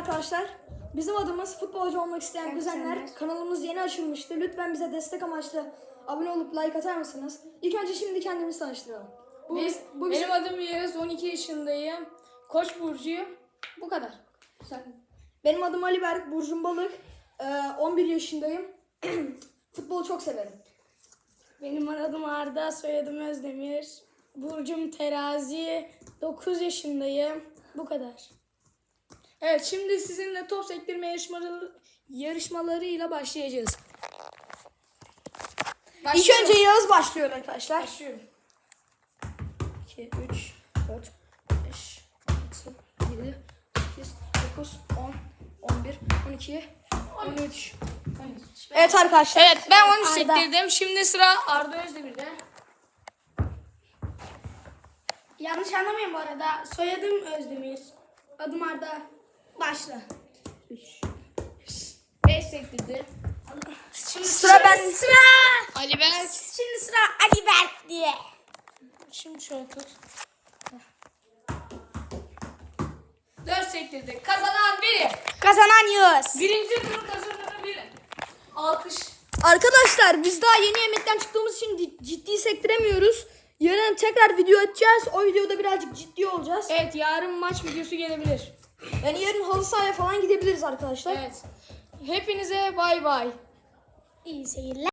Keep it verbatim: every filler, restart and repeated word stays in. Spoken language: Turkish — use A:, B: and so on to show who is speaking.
A: arkadaşlar. Bizim adımız futbolcu olmak isteyen
B: Sen
A: kuzenler.
B: kuzenler.
A: Kanalımız yeni açılmıştı. Lütfen bize destek amaçlı abone olup like atar mısınız? İlk önce şimdi kendimizi tanıştıralım. Bu,
C: Biz,
A: bu bizim...
C: benim adım Yağız, on iki yaşındayım. Koç burcuyum. Bu kadar. Sen.
A: Benim adım Ali Berk, Burcum Balık. Ee, on bir yaşındayım. Futbolu çok severim.
B: Benim adım Arda, soyadım Özdemir. Burcum Terazi, dokuz yaşındayım. Bu kadar.
C: Evet, şimdi sizinle top sektirme yarışmaları, yarışmalarıyla başlayacağız.
A: İlk
C: Başlıyorum.
A: önce Yağız başlıyor arkadaşlar.
C: Başlıyorum.
A: iki, üç, dört, beş, altı, yedi, sekiz, dokuz, on, on bir, on iki, on üç. Evet arkadaşlar.
C: Evet, ben on üç
B: Arda.
C: sektirdim. Şimdi sıra Arda Özdemir'de.
B: Yanlış anlamayın bu arada. Soyadım Özdemir. Adım Arda. Başla.
C: beş sektirdi.
B: Şimdi
A: Sıra ben.
B: Sıra.
C: Ali Berk.
B: Şimdi sıra Ali Berk diye.
C: Şimdi şöyle tut. dört sektirdi. Kazanan biri.
B: Kazanan Yağız.
C: Birinci turu kazananı biri. Alkış.
A: Arkadaşlar biz daha yeni yemekten çıktığımız için di- ciddi sektiremiyoruz. Yarın tekrar video atacağız. O videoda birazcık ciddi olacağız.
C: Evet, yarın maç videosu gelebilir.
A: Yani yarın halı sahaya falan gidebiliriz arkadaşlar.
C: Evet. Hepinize bay bay.
B: İyi seyirler.